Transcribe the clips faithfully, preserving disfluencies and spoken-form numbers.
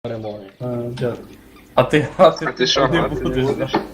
перемоги. А, дякую. А ти грати А ти що, не грати не будеш, будеш? да?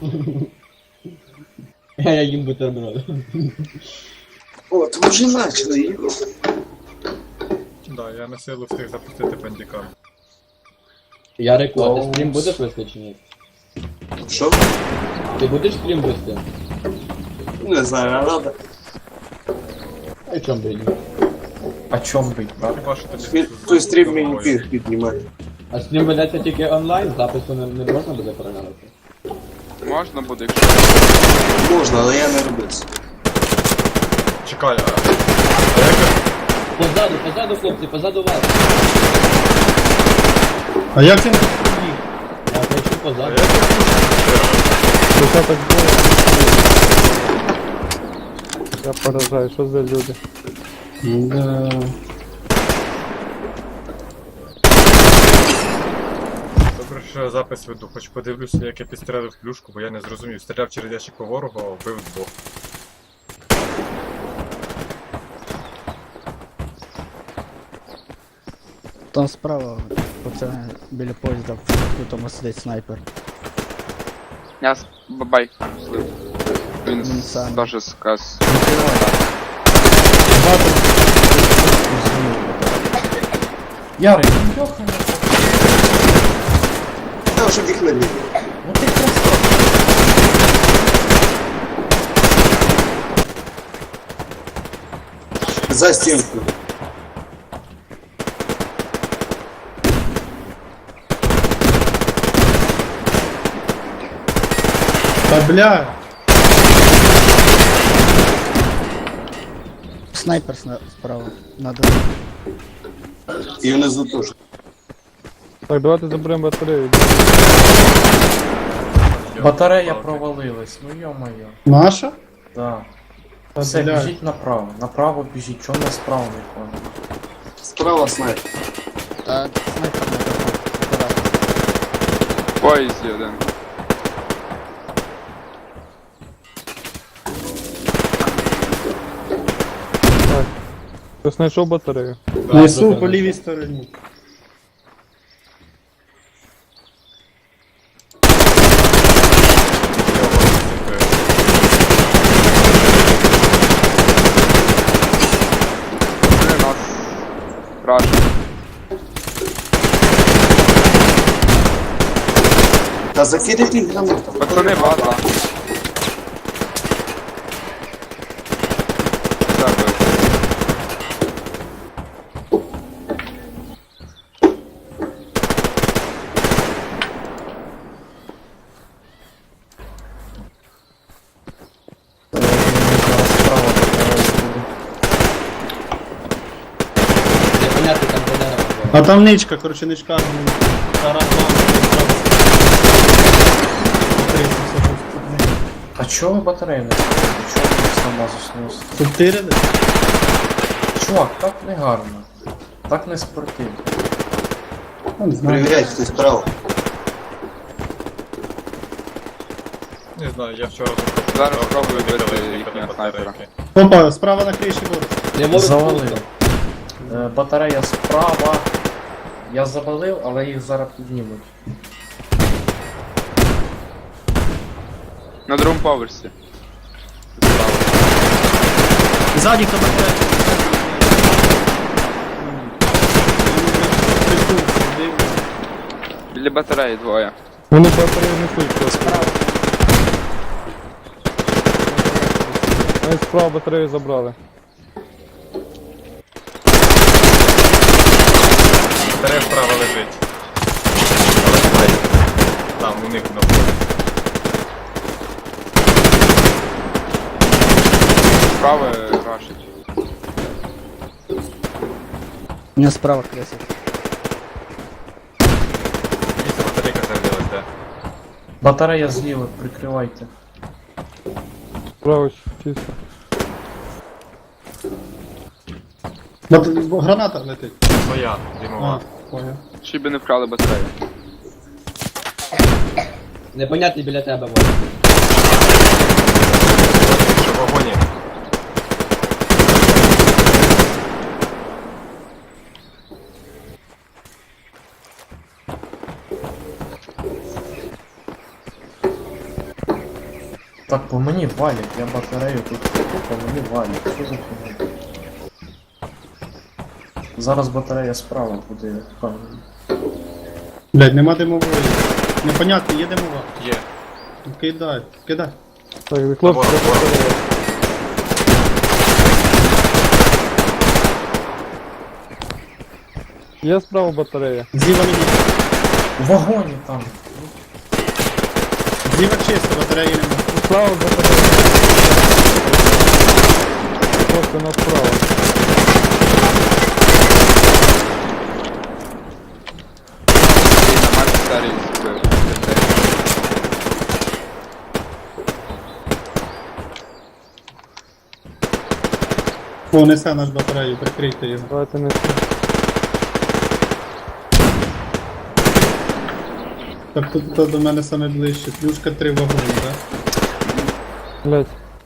Я їм бутерброд. От, ми вже почали його. Да, я на силу встиг запустити пандікам. Я рекорд, ти стрім будеш вести чи ні? Що? Ти будеш стрім вести? Не знаю, а надо. А чом би ні? А чом бить, брат? Хіба що тобі... Він- Той стрім мені пір піднімає. А стрім ведеться тільки онлайн, запису не, не можна буде переглянути? Можна буде, якщо... Можна, але я не роблю це. Чекай, а... а як я- Позаду, позаду, хлопці, позаду вас. А як він тут побіг? Я хочу а позаду. як я Що так було? Я поражаю, що за люди? Да. Добре, що я запис веду, хоч подивлюся, як я підстрелив плюшку, бо я не зрозумів. Стріляв через ящик по ворогу, а вбив двох. Там справа, пацани, біля поїзда, в тому сидить снайпер. Я с... бабай слив. Він Він с- сам. теж сказ. Ярик, ну йоханий. Та вже вікна не. Ну ти просто... За стінку. Та бля. Снайпер сна- справа, надо. І внизу теж. Так, давайте заберемо батарею. Батарея провалилась, ну йо-моє. Наша? Да. Та Все, бля. біжіть направо. Направо біжіть, чого не справа не понял? Справа снайпер. Та снайпер надо. Акуратно. В поїзді один. Хтось знайшов батарею? Несу по лівій стороні. Вони нас... Вражені. Та закидайте гранатом. Пацани, база. Тебе. Зараз справа батарея буде. Непонятно, там де дерево. А там ничка, короче, ничка. ну, Тарас А чого ви батарею не ставите? Чого ви сама заснув? Субтирили? Чувак, так не гарно. Так не спортивно. Не знаю. Перевіряйте, хтось справа. Не знаю, я вчора... Зараз запустив, спробую викликали вбити їхали їхнього батарейки. снайпера. Опа, справа на криші ворог. Не можу Завалив. Е, Батарея справа. Я завалив, але їх зараз піднімуть. На другому поверсі. Ззаді хто батарея. Біля батареї двоє. Вони батарею несуть просто. Вони справа батарею забрали. Батарея справа лежить. Але немає. Там, у них на полі. Справа рашить. У мене справа кресить. Місце батарейка зарядилась, де? Батарея зліва, прикривайте. Справа чисто. Бат- Граната летить. Своя, А, димова. понял. Чи би не вкрали батарею. Непонятний біля тебе ворог. Що в вагоні? Так, по мені валять, я батарею тут купив, по мені валять. Що за фігня? Зараз батарея справа буде. впевнений. Блядь, нема димової. Непонятно, є димова. Є. Кидай, кидай. Так, і хлопці, Ворог, ворог. батарея. Є справа батарея. Зліва мені. В вагоні там. Зліва чисто, батареї нема. Справа батарея. Просто направо. І на Макс старий збив. О, несе наш батарею, прикрийте його. Давайте не Так тут хто до мене саме ближче. Плюшка три вагони, так? блять.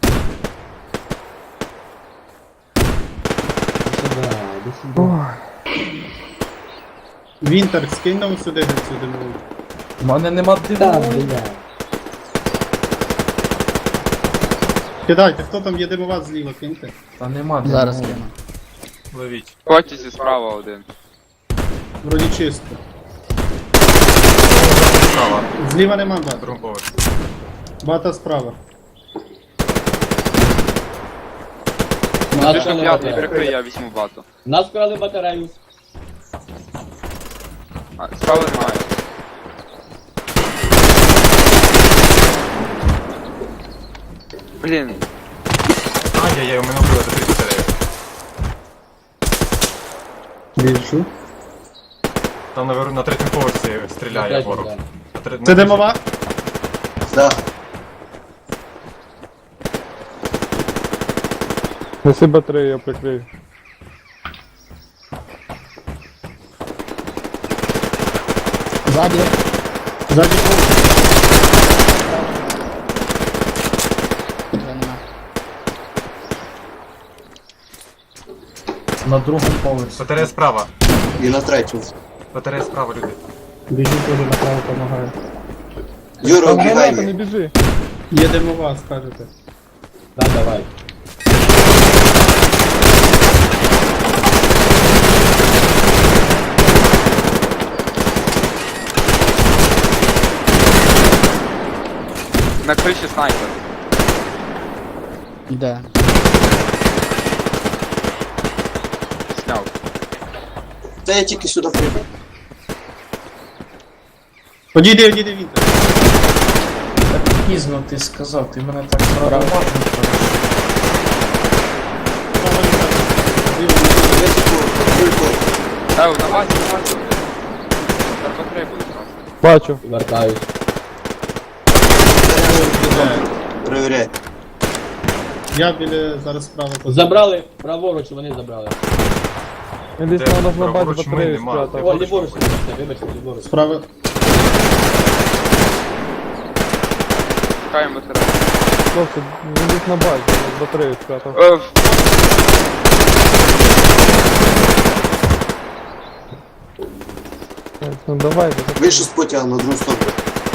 Вінтер, скинь нам сюди цю димову. У мене нема димової. Кидайте, хто там є димова зліва, киньте. Та нема Зараз димової. кину. Ловіть. Потязі справа один. Вроді чисто. Справа. Зліва нема На бата. другому поверсі. Бата справа. Нас Ти що вкрали п'ятий, батарею. прикрий, я візьму бату. Нас вкрали батарею. А, справа немає. Блін, Ай-яй-яй, у мене вбили до три батареї. Біжу. Там наверху на третьому поверсі стріляє Опять ворог. удар. На тре- на Це третій- димова? Да. Неси батарею, я прикрию. Ззаді. Ззаді пол. Вже нема. На другому поверсі. Батарея справа. І на третю. Батарея справа, люди. Біжу теж направо допомагаю. Юра, Там граната, убігай. не біжи. Є димова, скажете. Да, давай. на криші снайпер. Іде. Сняв. Та я тільки сюди прийду. Одійди, одійди, Вінтер. Так пізно ти сказав, ти мене так зразу важно кажеш. Справа Вінтер. Зліва. Високо, Е, на базі, на базі. Зараз батарея буде зразу. Бачу. Вертаюсь. Іде. перевіряй. Я біля зараз справа. Забрали праворуч, вони забрали. Він десь Де? на нас на базі Праворуч ми батарею нема. спрятав. О, ліворуч, вибачте, вибачте, ліворуч. Справа. Чекаємо батарею. Хлопці, він десь на базі, батарею спрятав. Е, Так, ну давай, давай. Вийшов з потяга на другу сторону.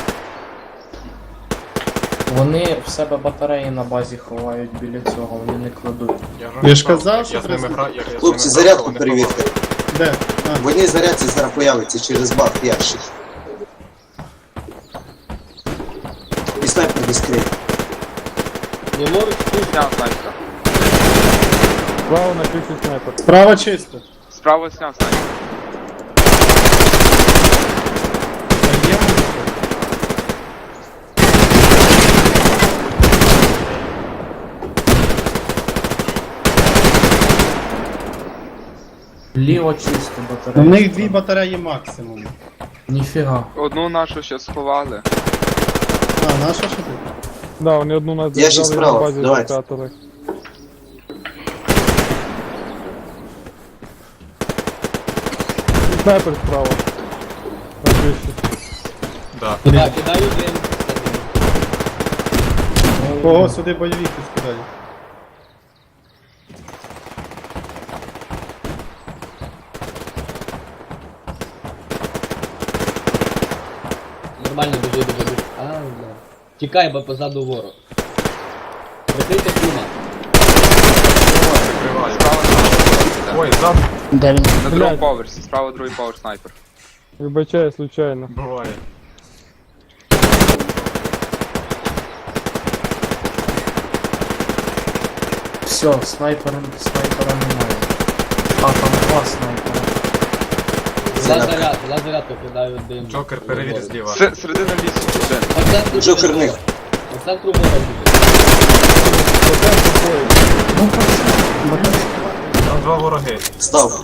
Вони в себе батареї на базі ховають біля цього, вони не кладуть. Я, вже Я ж сказав, казав, я що з ними треба- граю, я- я з ними Хлопці, грав, зарядку вони перевірте. Де? А, В одній зарядці зараз появиться через баг ящик. І снайпер не скриє. Ліворуч, тут. Сняв снайпера. Справа на криші снайпер. справа чисто. Справа сняв снайпера. Та є музика. Ліво чисто У батарея. них дві батареї максимум. Ніфіга. Одну нашу ще сховали. А, наша що ти? Да, вони одну нас Я ще взяли на справа, базі давайте. спрятали. І снайпер справа. На криші. Да. Так, кидаю дим. Кого сюди бойовики скидають? Нормально біжи, біжи, біжи. А, бля. Тікай, бо позаду ворог. Прикрийте Кума. Прикриваю. Справа снайпер. Ой, ззаду Де він? На другому Блядь. поверсі, справа другий поверх снайпер. Вибачаю, случайно. буває. Все, снайпера, снайпера немає. А, там два снайпера. Лазарят, лазарят покидаю дим. Джокер, перевір зліва. С- Середина лісу, один. По центру Джокер них. По центру мора біжить. Ну, пацан, Там два вороги. Став.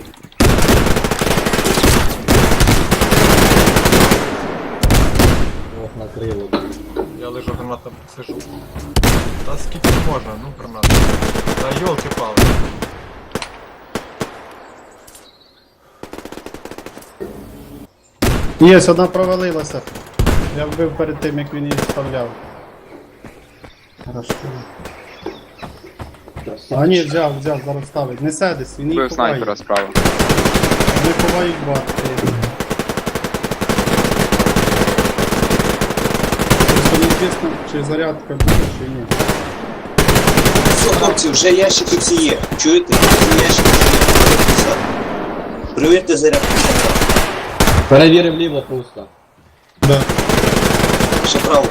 Ох, накрило. Я лежу гранатом сижу. Та скільки можна, ну гранат. Та йолки-пали. Є, одна провалилася. Я вбив перед тим, як він її вставляв. Хорошо. А ні, взяв, взяв, зараз ставить. Не седись, він її Вбив ховає. снайпера справа. Вони ховають бати. Просто неізвісно, чи зарядка буде, чи ні. Все, хлопці, вже ящики всі є. Чуєте? Вже ящики всі є. Провірте зарядку. Перевірив ліво пусто. Да. Ще право.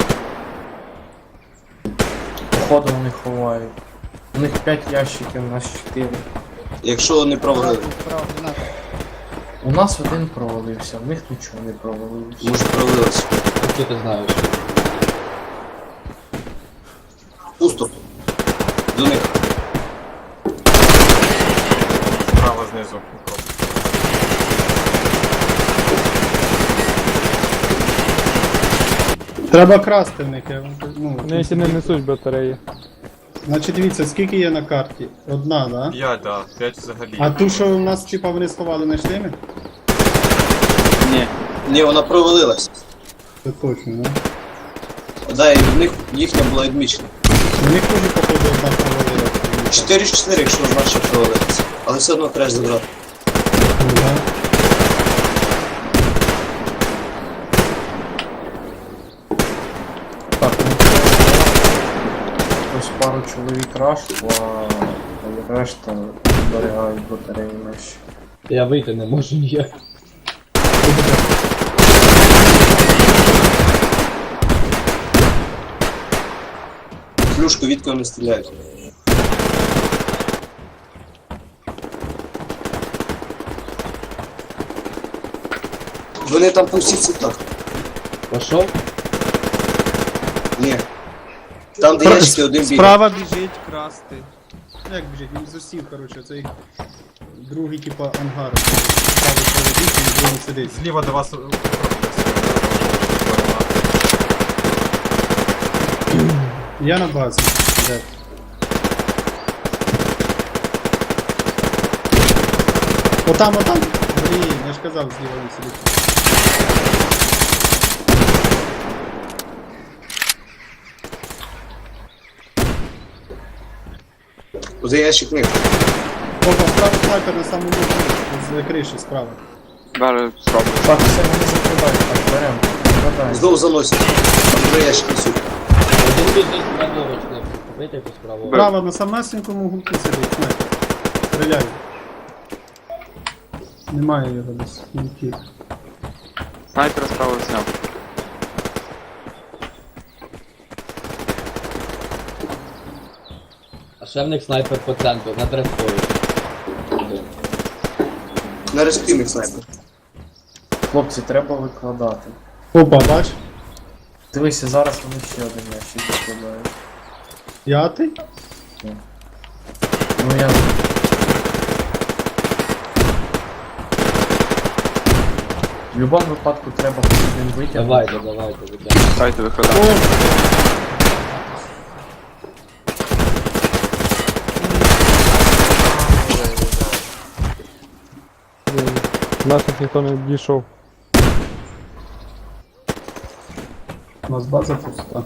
походу вони ховають. У них п'ять ящиків, у нас чотири. Якщо не провалили. Справа, граната. У нас один провалився, в них нічого не провалився. Може провалилося. Що ти знаєш? Пусто. До них. Справа знизу. Укроп. Треба красти в них. я вам кажу, Ну, Неті не несуть батареї. значить, дивіться, скільки є на карті? Одна, да? П'ять, да. П'ять взагалі. А ту, що у нас, типа, вони сховали, не йшли ми? Ні. Ні, вона провалилась. Це точно, да? Да, і в них їхня була відмічена. У них теж, походу, одна провалилася. чотири чотири, якщо наша провалилася. Але все одно треба забрати. Ну, да. Так, ну ось пару чоловік рашло, а решта зберігають батареї наші. Я вийти не можу ніяк. Плюшку від кого не стріляють. Вони там по всіх цвітах. Пошов? Ні. Там, де ящики, один бігає. Справа біжить красти. Ну, як біжить, він засів, коротше, цей другий, типа, ангар. Ставить проводить, і другий сидить. Зліва до вас укроп. Я на базі. Де? Отам, отам. Блін, я ж казав, зліва він сидить. Оце ящик них. Опа, справа снайпер на самому верху, з криші справа. Зараз спробую. Так, все, вони закривають, так, беремо. Викладаємо. Знову заносять. Там два ящики несуть. Один біжить праворуч, хлопці. Покрийте якусь праворуч. Справа на самесенькому гуку сидить, снайпер. Стріляю. Немає його десь. Він втік. Снайпера справа зняв. А ще в них снайпер по центру, на дрескові. На респівних снайпер. Хлопці, треба викладати. Опа, бач? Дивися, зараз вони ще один ящик викладають. П'ятий? Ну я... В будь-якому випадку треба хоч один витягнути. Давайте, давайте, витягнемо. Дайте виходити. Наших ніхто не дійшов. У нас база пуста.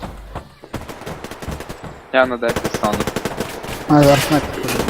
Я на дефі стану. А, зараз снайпер ходить.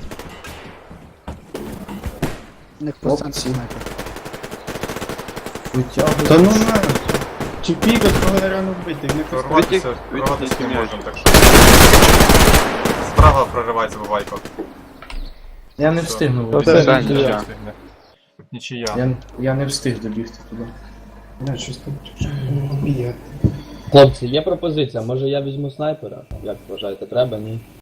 У них по центру Хлопці. снайпер. Витягуй. Та ну на! Чи пікать, кого реально вбити, не пускати. Прорватися, Витяг- прорватися не витяг можемо, так що. Справа проривається бувайко. Я не встигну Та вибігти. все, Це нічия. нічия. Нічия. Я, я не встиг добігти туди. Бля, щось там б'є. Хлопці, є пропозиція, може я візьму снайпера? Як вважаєте, треба, ні?